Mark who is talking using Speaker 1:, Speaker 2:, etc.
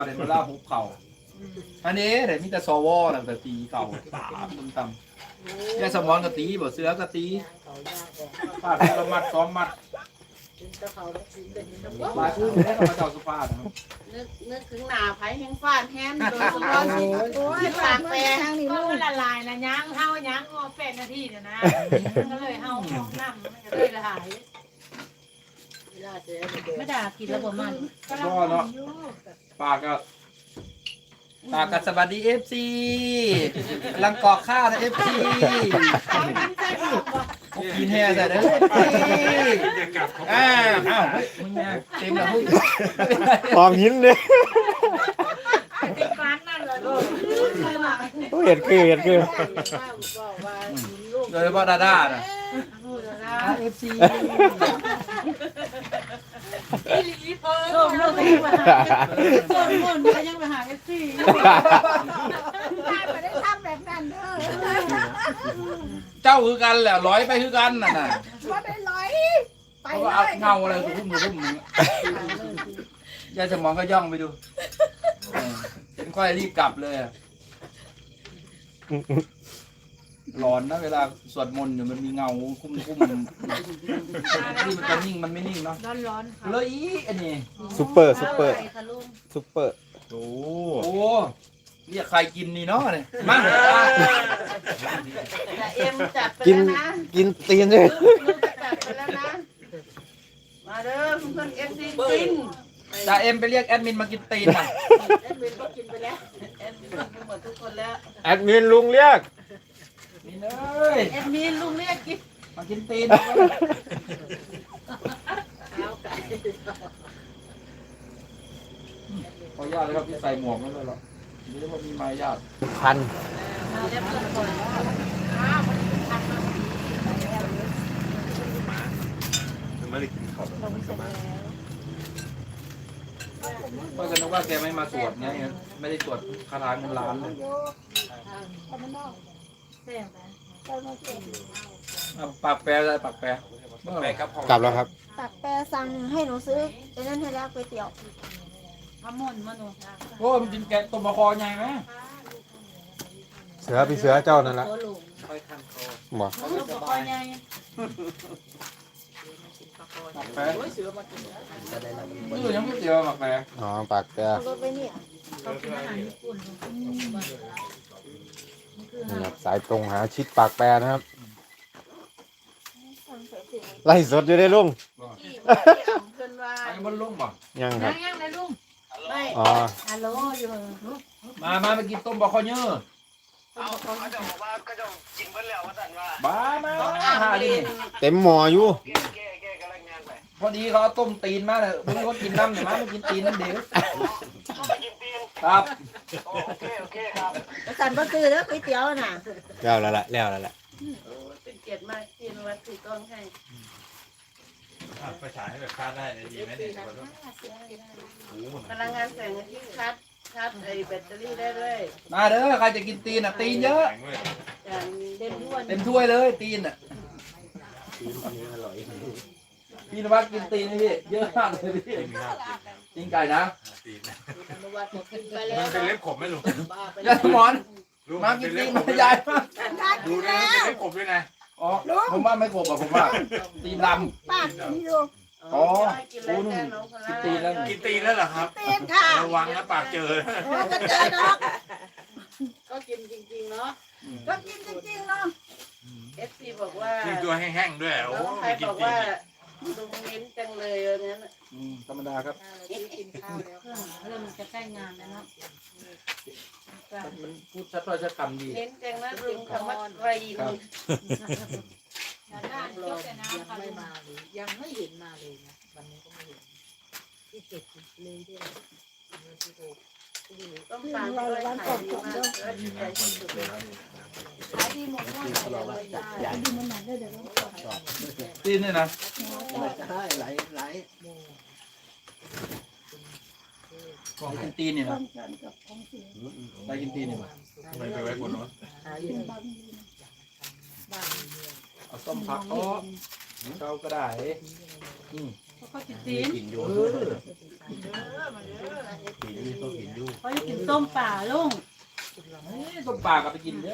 Speaker 1: เดี๋ยวมาล่าภูเขาอันนี้เดี๋ยวมีแต่ซอวอตั้งแต่ตีเก่าตามต่ำแกสมอนกะตีบ่เสือกะตีฟาดละมัดซ้อมมัดหลายคู่นี่ก็มาเจ้าสุภาพนะครับ
Speaker 2: นึกถึงหนาไผ่แห้งฟาดแห้งโดยเฉพาะโอ้ยปากแปร
Speaker 3: ก็มันละลายนะยั้งเฮายั้ง8 นาทีเนี่ยนะก็เลยเฮาห้องน้ำมันก็เลยละหายไม่ด่ากินแล้วบ่มันก็เนาะ
Speaker 1: ปากก็สวัสดีFC กำลังกอกข้าวนะ FC กินแห่ใส่เด้ออ้าวมึงเนี่ยเต็มแล้วมึง
Speaker 4: หอมหินเลย
Speaker 3: ติดฟันนั่นเลย
Speaker 4: เห็ดคือ
Speaker 1: โดยเฉพาะดาด้าน่ะ FC
Speaker 3: ส้มโลกยังมาหาส้มคนก็ยังมาหาFC
Speaker 2: ไม่ได้ทำแบบนั้นเด้อ
Speaker 1: เจ้าคือกันแหละร้อยไปคือกันน่ะ
Speaker 2: ว่าได้ร้อยไป
Speaker 1: เพราะ
Speaker 2: เล
Speaker 1: ว่าเอา
Speaker 2: ย
Speaker 1: เงาอะไรคุ้มยายสมองก็ย่องไปดูเห็นค่อยรีบกลับเลยร้อนนะเวลาสวดมนต์อยู่มันมีเงาคุ้มที่มันจะนิ่งมันไม่นิ่งเนาะ
Speaker 3: ร้อนค่ะ
Speaker 1: เลยอันนี้
Speaker 4: ซุปเปอร์ซุปเปอร์
Speaker 1: โอ้เรียกใครกินนี่เนาะเนี่ยมา
Speaker 2: แต่เอ็มจัดไป
Speaker 4: กิน
Speaker 2: แล้วนะ
Speaker 4: กินตีนเลย
Speaker 2: ลูกจัดไปแล้วนะมาเด้อเพื่อนเอฟซีกิน
Speaker 1: จ่าเอ็มไปเรียกแอดมินมากินตีนน่ะ
Speaker 2: แอดมินก็กินไปแล้วแอดมินกินหมดทุกคนแล้ว
Speaker 4: แอดมินลุงเรียก
Speaker 1: นี่เลย
Speaker 2: แอดมินลุงเรียกกิน
Speaker 1: มากินตีน
Speaker 2: ข้าวไก่
Speaker 1: ขออนุญาตเลยครับที่ใส่หมวกนั่นเลยหรอนี่เรียกว่ามีมารยาท
Speaker 4: พัน
Speaker 2: เรียบร้อยก่อน
Speaker 5: ไม่ได้กินข้าว
Speaker 1: ก็จะนึกว่าแกไม่มาสวดไงไม่ได้สวดคาถาเงินล้านเลย
Speaker 3: แซ่บนะ
Speaker 1: ปากแปรอะไรปากแปรเมื่อไหร่ครับ
Speaker 4: กลับแล้วครับ
Speaker 6: ตักแปรสั่งให้หนูซื้อไอ้นั่นให้แล้วก๋วยเตี๋ยว
Speaker 3: พะม่นมาหนู
Speaker 1: โอ้มันกินแกงต้มมะคอใหญ่ไหม
Speaker 4: เสือพี่เสือเจ้านั่นละบอก
Speaker 3: ลูกบ่ค่อยใหญ่
Speaker 1: ปากแปรนี่ยังไม่เจอปากแปร
Speaker 4: อ๋อปากแก
Speaker 6: รถไปเนี่ย
Speaker 3: เขากินอาหารญี่ปุ่น
Speaker 4: นี่ครับสายตรงหาชิดปากแปรนะครับ
Speaker 6: สั่งใส่ถุง
Speaker 4: ไล่สดอยู่ได้ลุง
Speaker 2: ที่เอาเพื่อนว่า
Speaker 1: ไอ้บนลุ่มป่ะ
Speaker 4: ยังครับ
Speaker 3: ยังเลยลุง
Speaker 2: ไม่
Speaker 4: อ๋อ
Speaker 3: ฮัลโหลอยู่
Speaker 1: มากินต้มมะคอเยอะ
Speaker 5: เขาจะบอกว่าก็จะกินเพิ่นแล้วว่าสั่นว่า
Speaker 1: บ้ามาหาดิ
Speaker 4: เต็มหมออยู่
Speaker 5: แกกำลังงานไป
Speaker 1: พอดีเขาต้มตีนมาเลยมึงก็กินน้ำเนี่ยมาไม่กินตีนนั่นเดียว
Speaker 5: ไปกินตีน
Speaker 1: ครับ
Speaker 5: โอเคครับ
Speaker 6: สั่นบ่ซื้อแล้วก๋วยเตี๋ยวน่ะ
Speaker 4: แล้วแล้วละแล้วแล้วละ
Speaker 2: โอ้เป็นเกียรติมากที่นวัดถือกล้องให้
Speaker 5: ไปฉายให้แบบคาดได้ดีไหมเนี่ย
Speaker 2: พลังงานแสงอาทิตย์ชัดไอ้แบตเตอรี่ได้ด้วย
Speaker 1: มาเด้อใครจะกินตีนอ่ะตีนเยอะ
Speaker 2: อย่างเต็มด้วน
Speaker 1: เต็มถ้วยเลยตีนอ่ะพี่นวัดกินตีนนี่พี่เยอะมากเลยพี่กินไก่นะ
Speaker 2: นวัดบอกกินไปแล้ว
Speaker 5: มันเป็นเล็บขมไหมลุง
Speaker 2: บ้าไป
Speaker 1: ยายสมอนมากินตีนมายายมา
Speaker 5: ดูนะเป็นเล็บขมด้วยนะ
Speaker 1: อ๋อผมว่าไม่กบอ่ะผมว่าตีนล
Speaker 6: ป้านี่ดู
Speaker 2: อ๋อกินแล้วแค่น้องคนละ
Speaker 1: กินตีนแล้ว
Speaker 5: กินตีนแล้วเหรอครับ
Speaker 6: เต็มค่ะ
Speaker 5: ระวังนะปากเจอ
Speaker 6: มันก็เจอดอก
Speaker 2: ก็กินจริงๆเนาะ
Speaker 6: ก็กินจริงๆเนาะ
Speaker 2: FC บอกว่า
Speaker 5: กินตัวแห้งๆด้วยโอ้
Speaker 2: น้องใคร
Speaker 5: กิ
Speaker 2: บ
Speaker 5: น
Speaker 2: อก
Speaker 5: ตี
Speaker 2: ว่าน ลุงเน้นจังเลยวันนั้น
Speaker 1: ธรรมดาครับ
Speaker 2: กินข้าวแล้ว
Speaker 3: เริ่มจะใกล้งานแล้วเนาะ
Speaker 1: มันพูดชัดถ้อยชัดคำดี
Speaker 2: เน้นจังนะลุงคำว่าไตร
Speaker 1: ครับ
Speaker 3: ด้านยกแต่น้ำค่ะลุง
Speaker 7: ยังไม่เห็นมาเลยนะวันนี้ก็ไม่เห็นที่เก็บเลยที่เราที่ดู
Speaker 2: ต้องตามด้วยขายดีมากและดีใจที่สุดเลย
Speaker 3: ขายดีหมดเลยได้
Speaker 1: ตีนเนี่ยนะ
Speaker 7: ไหล
Speaker 1: ของกินตีนเนี่ยนะไปกินตีนเนี่ย
Speaker 5: ไม่ไปไว้บนรถ
Speaker 7: หาอยู่บ้าน
Speaker 1: เอาต้มผักอ๋อเจ้าก็ได้
Speaker 3: เขากินตีน
Speaker 1: กินอยู่กินอยู่ก็กินอยู่
Speaker 3: เขาจะกินต้มป่าลุง
Speaker 1: ต้มปลากับไปกินเด้อ